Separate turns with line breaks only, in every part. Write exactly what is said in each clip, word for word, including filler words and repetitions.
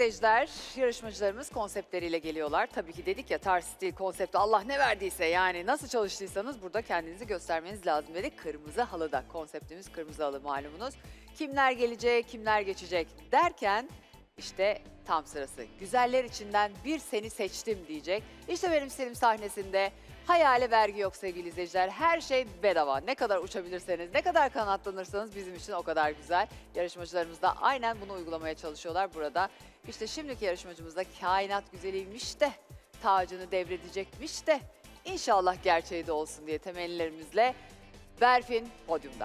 izleyiciler, yarışmacılarımız konseptleriyle geliyorlar. Tabii ki dedik ya, tarz, stil, konsepti Allah ne verdiyse, yani nasıl çalıştıysanız burada kendinizi göstermeniz lazım dedik. Kırmızı halıda, konseptimiz kırmızı halı malumunuz. Kimler gelecek, kimler geçecek derken işte tam sırası. Güzeller içinden bir seni seçtim diyecek. İşte benim stilim sahnesinde. Hayale vergi yok sevgili izleyiciler. Her şey bedava. Ne kadar uçabilirseniz, ne kadar kanatlanırsanız bizim için o kadar güzel. Yarışmacılarımız da aynen bunu uygulamaya çalışıyorlar burada. İşte şimdiki yarışmacımız da kainat güzeliymiş de, tacını devredecekmiş de, İnşallah gerçeği de olsun diye temennilerimizle Berfin podyumda.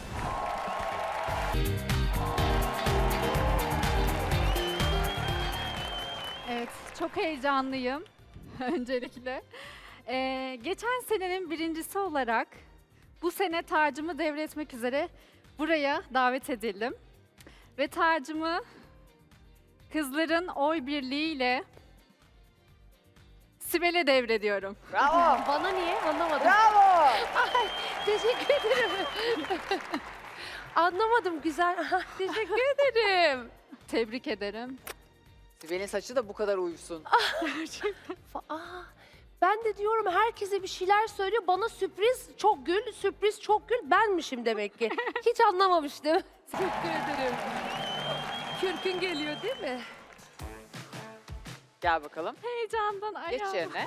Evet, çok heyecanlıyım öncelikle. Ee, geçen senenin birincisi olarak bu sene tacımı devretmek üzere buraya davet edildim. Ve tacımı kızların oy birliğiyle Sibel'e devrediyorum.
Bravo!
Bana niye? Anlamadım.
Bravo!
Teşekkür ederim. Anlamadım, güzel. Teşekkür ederim.
Tebrik ederim.
Sibel'in saçı da bu kadar uyusun.
Aa, ben de diyorum herkese bir şeyler söylüyor. Bana sürpriz çok gül, sürpriz çok gül benmişim demek ki. Hiç anlamamıştım. Teşekkür ederim. Kürkün geliyor değil mi?
Gel bakalım.
Heyecandan
Geç
ayağım.
yerine.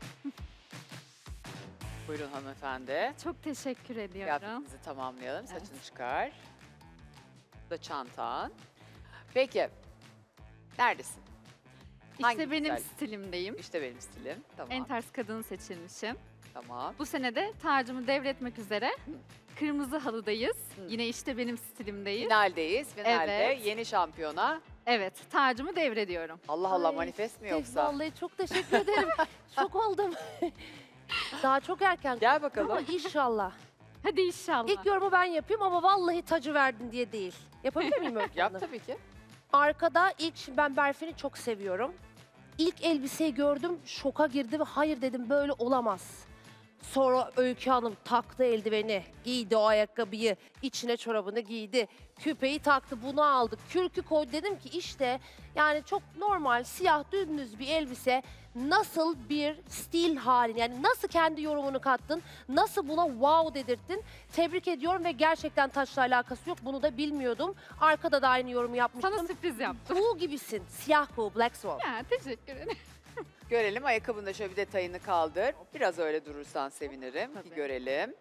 Buyurun hanımefendi.
Çok teşekkür ediyorum.
Kıyafetinizi tamamlayalım. Saçını çıkar. Bu da çantan. Peki. Neredesin? Hangi
İşte benim
güzellik?
stilimdeyim.
İşte benim stilim. Tamam.
En tarz kadın seçilmişim.
Tamam.
Bu sene de tacımı devretmek üzere kırmızı halıdayız.
Hı.
Yine işte benim stilimdeyiz.
Finaldeyiz. Finalde
Evet.
yeni şampiyona.
Evet, tacımı devrediyorum.
Allah Allah,
Ay,
manifest mi
Tef,
yoksa?
Vallahi çok teşekkür ederim. Şok oldum. Daha çok erken.
Gel
Ama
bakalım.
inşallah.
Hadi inşallah.
İlk yorumu ben yapayım ama vallahi tacı verdin diye değil. Yapabilir miyim Öykü
Yap
Hanım?
tabii ki.
Arkada ilk, şimdi ben Berfin'i çok seviyorum. İlk elbiseyi gördüm, şoka girdim. Hayır dedim, böyle olamaz. Sonra Öykü Hanım taktı eldiveni, giydi o ayakkabıyı, içine çorabını giydi, küpeyi taktı, bunu aldı, kürkü koydu. Dedim ki işte yani çok normal, siyah dümdüz bir elbise nasıl bir stil halin, yani nasıl kendi yorumunu kattın, nasıl buna wow dedirttin. Tebrik ediyorum ve gerçekten taçla alakası yok, bunu da bilmiyordum. Arkada da aynı yorumu yapmıştım.
Sana sürpriz yaptım.
Kuğu gibisin, siyah kuğu, Black Swan.
Ya teşekkür ederim.
Görelim. Ayakkabının da şöyle bir detayını kaldır. Biraz öyle durursan sevinirim. Bir
Tabii.
görelim.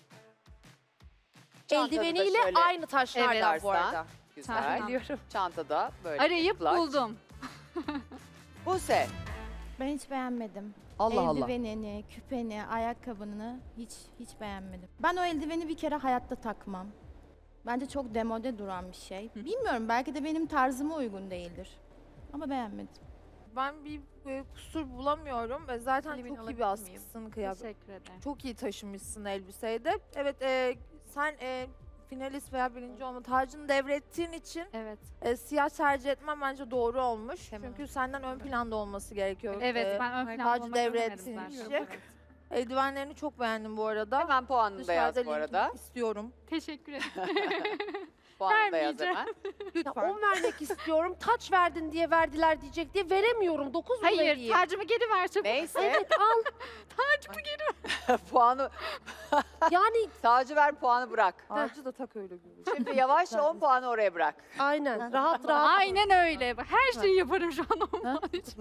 Çantada da
Eldiveniyle
şöyle
aynı taşlardan
Evet.
bu arada.
Güzel.
Tamam.
Biliyorum.
Çantada böyle.
Arayıp
clutch.
buldum.
Buse.
Ben hiç beğenmedim.
Allah Allah.
Eldivenini, küpeni, ayakkabını hiç hiç beğenmedim. Ben o eldiveni bir kere hayatta takmam. Bence çok demode duran bir şey. Bilmiyorum, belki de benim tarzıma uygun değildir. Ama beğenmedim.
Ben bir e, kusur bulamıyorum. E, Zaten
Elimini
çok iyi
alabilir
bir
miyim?
askısın kıyafet.
Teşekkür ederim.
Çok iyi taşımışsın elbiseyi de. Evet, e, sen e, finalist veya birinci olma tacını devrettiğin için
Evet.
e, siyah tercih etmem bence doğru olmuş.
Tamam.
Çünkü senden ön planda olması gerekiyor.
Evet,
E,
ben ön planda
tacı
olmak istemedim
devrettiğin
zaten.
için.
Evet.
Eldivenlerini çok beğendim bu arada.
Hemen puanını da yaz
Dışarıda
bu arada.
linkini istiyorum.
Teşekkür ederim.
Puanını da yaz
Vermeyeceğim.
hemen.
Ya
Lütfen.
on vermek istiyorum. Taç verdin diye verdiler diyecek diye veremiyorum. Dokuz mu
Hayır,
vereyim?
tacımı geri ver çabuk.
Neyse.
Evet al.
Puanı,
Yani
tacı ver, puanı bırak.
Tacı da tak öyle gibi.
Şimdi yavaşça on puanı oraya bırak.
aynen. Rahat rahat.
Aynen öyle. Her şeyi yaparım şu an onun için.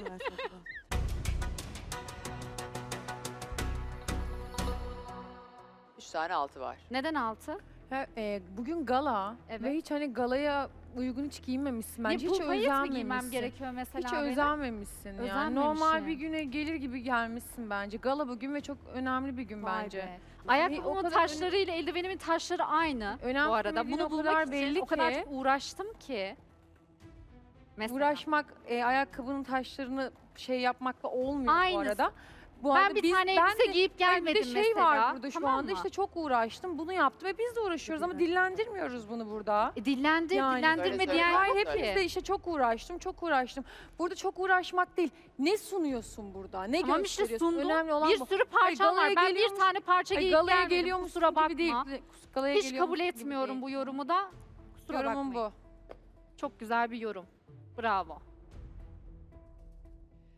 Üç tane altı var.
Neden altı?
Ha, e, bugün gala
Evet.
ve hiç hani galaya uygun hiç giyinmemişsin bence.
Ya
hiç
bu payet mi giymem
özenmemişsin.
gerekiyor mesela
Hiç
benim?
özenmemişsin yani.
Özenmemişim.
Normal bir güne gelir gibi gelmişsin bence. Gala bugün ve çok önemli bir gün
Vay
bence.
be. Ayakkabımın
o kadar
taşlarıyla eldivenimin taşları aynı
Önemli
bu arada.
dediğin
Bunu
o
bulmak
kadar
için
belli
o kadar
ki.
çok uğraştım ki. Mesela.
Uğraşmak, e, ayakkabının taşlarını şey yapmakla olmuyor bu
Aynısı.
arada. Bu
Ben
arada
bir
biz-
tane
ben
elbise
de-
giyip
Hayır,
gelmedim
bir de şey
mesela.
var burada şu
tamam
anda
mı?
işte çok uğraştım bunu yaptım ve biz de uğraşıyoruz ama dillendirmiyoruz bunu burada.
E, dillendir,
Yani.
dillendirme
Söyle, söyle.
diyen
Hayır,
yok
Hayır
Söyle.
hepimiz
ki.
de işte çok uğraştım, çok uğraştım. Burada çok uğraşmak değil. Ne sunuyorsun burada? Ne
Tamam işte
gösteriyorsun?
sundum.
Önemli olan
Bir
bu.
sürü parçam
galaya
var. Ben bir
geliyormuş-
tane parça
Ay,
giyip
galaya
gelmedim.
geliyormuş
Kusura bakma.
gibi değil. Galaya
Hiç
geliyormuş
kabul
gibi
etmiyorum
değil.
bu yorumu da. Kusura
Yorumum
bakmayın.
bu.
Çok güzel bir yorum. Bravo.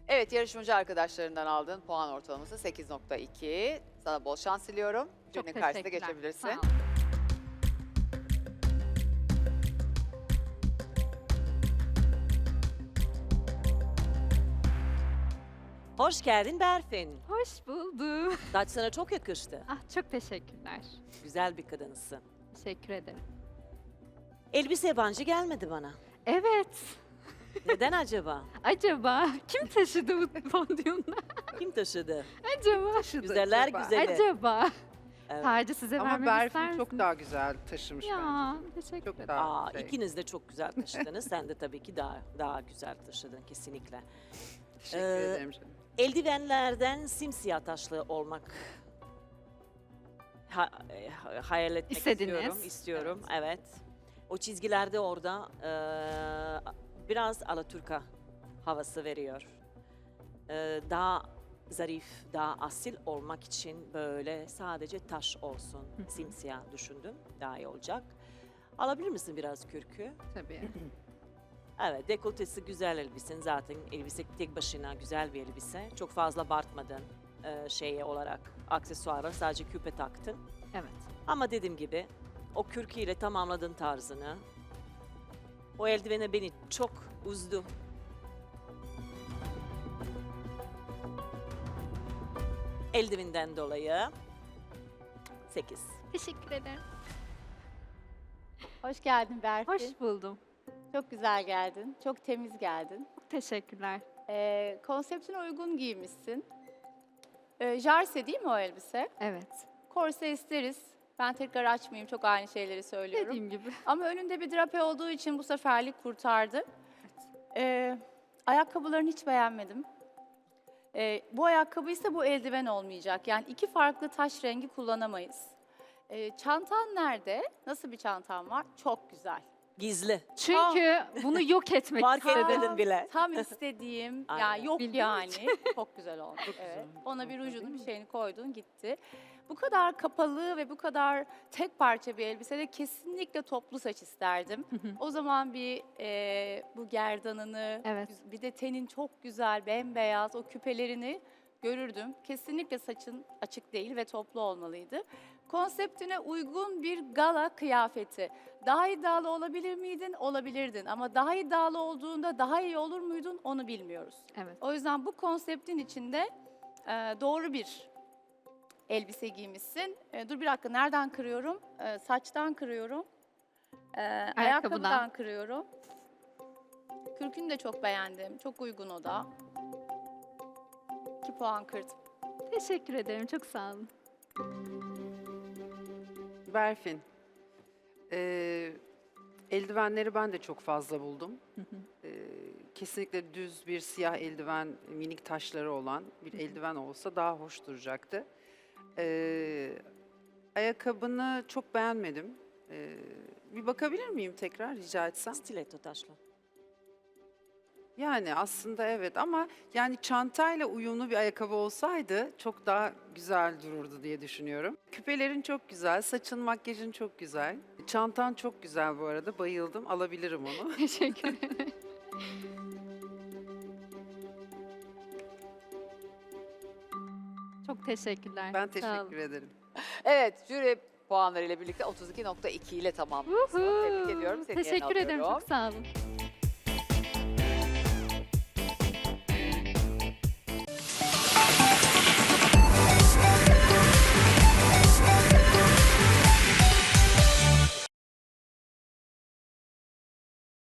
Evet, yarışmacı arkadaşlarından aldığın puan ortalaması sekiz nokta iki. Sana bol şans diliyorum.
Çok
Jürinin karşısına
teşekkürler.
geçebilirsin.
Sağ olun.
Hoş geldin Berfin.
Hoş buldum.
Saç sana çok yakıştı.
Ah çok teşekkürler.
Güzel bir kadınsın.
Teşekkür ederim.
Elbise yabancı gelmedi bana.
Evet.
Neden acaba?
Acaba kim taşıdı bu podyumda?
Kim taşıdı?
Acaba.
Güzeller
acaba?
güzeli.
Acaba.
Evet.
Tacı size
Ama
vermemi ister
Berfin çok
misiniz?
daha güzel taşımış
Ya
bence.
teşekkür
Çok
ederim.
daha
Aa,
şey.
ikiniz de çok güzel taşıdınız. Sen de tabii ki daha daha güzel taşıdın kesinlikle.
Teşekkür
Ee,
ederim canım.
Eldivenlerden simsiyah taşlı olmak ha, e, ha- hayal etmek
İstediniz.
istiyorum. istiyorum. Evet. O çizgilerde orada e, biraz Alaturka havası veriyor. E, daha zarif, daha asil olmak için böyle sadece taş olsun. Simsiyah düşündüm. Daha iyi olacak. Alabilir misin biraz kürkü?
Tabii.
Evet, dekoltesi güzel elbisen zaten. Elbise tek başına güzel bir elbise. Çok fazla abartmadın e, şeye olarak aksesuara. Sadece küpe taktın.
Evet.
Ama dediğim gibi o kürküyle tamamladın tarzını. O eldivene beni çok üzdü. Eldivinden dolayı sekiz.
Teşekkür ederim.
Hoş geldin Berfin.
Hoş buldum.
Çok güzel geldin. Çok temiz geldin.
Teşekkürler.
Ee, konseptine uygun giymişsin. Ee, jarse değil mi o elbise?
Evet.
Korse isteriz. Ben tekrar açmayayım. Çok aynı şeyleri söylüyorum.
Dediğim gibi.
Ama önünde bir drape olduğu için bu seferlik kurtardı. Ee, ayakkabılarını hiç beğenmedim. Ee, bu ayakkabı ise bu eldiven olmayacak. Yani iki farklı taş rengi kullanamayız. Ee, çantan nerede? Nasıl bir çantan var? Çok güzel.
Gizli.
Çünkü bunu yok etmek
Fark
istedim.
etmedin bile.
Tam istediğim,
Aynen.
yani yok
Bildiğim
yani. Çok güzel olmuş. Evet. Ona bir rujunu, bir şeyini koydun, gitti. Bu kadar kapalı ve bu kadar tek parça bir elbisede kesinlikle toplu saç isterdim. O zaman bir e, bu gerdanını,
Evet.
bir de tenin çok güzel, bembeyaz, o küpelerini görürdüm. Kesinlikle saçın açık değil ve toplu olmalıydı. Konseptine uygun bir gala kıyafeti. Daha iddialı olabilir miydin? Olabilirdin. Ama daha iddialı olduğunda daha iyi olur muydun? Onu bilmiyoruz.
Evet.
O yüzden bu konseptin içinde e, doğru bir elbise giymişsin. E, dur bir dakika, nereden kırıyorum? E, saçtan kırıyorum. E, ayakkabıdan kırıyorum. Kürkünü de çok beğendim. Çok uygun o da. iki puan kırdım.
Teşekkür ederim. Çok sağ olun.
Berfin. Ee, eldivenleri ben de çok fazla buldum. Ee, kesinlikle düz bir siyah eldiven, minik taşları olan bir eldiven olsa daha hoş duracaktı. Ee, ayakkabını çok beğenmedim. Ee, bir bakabilir miyim tekrar rica etsem?
Stiletto taşlı.
Yani aslında evet ama yani çantayla uyumlu bir ayakkabı olsaydı çok daha güzel dururdu diye düşünüyorum. Küpelerin çok güzel, saçın, makyajın çok güzel. Çantan çok güzel bu arada, bayıldım. Alabilirim onu.
Teşekkür ederim. Çok teşekkürler.
Ben
Sağ olun.
teşekkür ederim.
Evet, jüri puanlarıyla birlikte otuz iki nokta iki ile tamamlıyorsun.
Uhu.
Tebrik ediyorum. Seni yerine
Teşekkür ederim.
alıyorum.
Çok sağ olun.